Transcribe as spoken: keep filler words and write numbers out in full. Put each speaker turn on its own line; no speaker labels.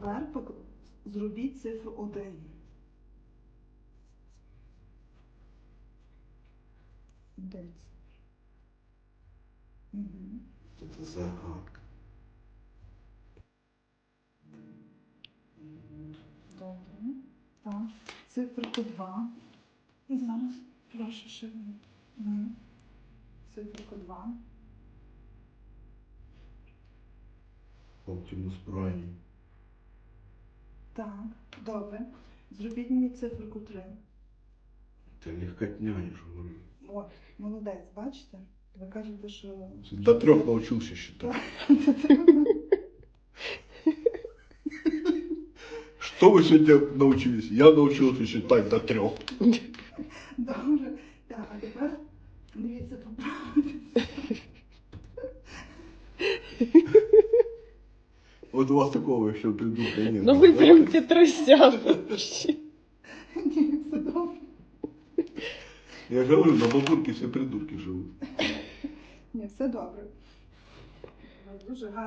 тепер пок- зробіть цифру один. Один. Угу.
Это загадка.
Добре. Так. Циферку два. І зараз прошу ще. Угу. Циферку два.
Оптимус Прайм.
Так, добре. Зробіть мені циферку три.
Це легкотня, я ж говорю.
От, молодець, бачите? Ви кажете, що...
До трех научился считать. Что вы сегодня научились? Я научился считать до трех.
Добре. Так, а тепер дивіться, поправити.
Вот у вас такого еще придурка нет.
Ну ви
да?
прям Петросян вообще.
Ні, все добре.
Я же говорю, на бабурке все придурки живут.
Ні, все добре. Ви дуже гарно.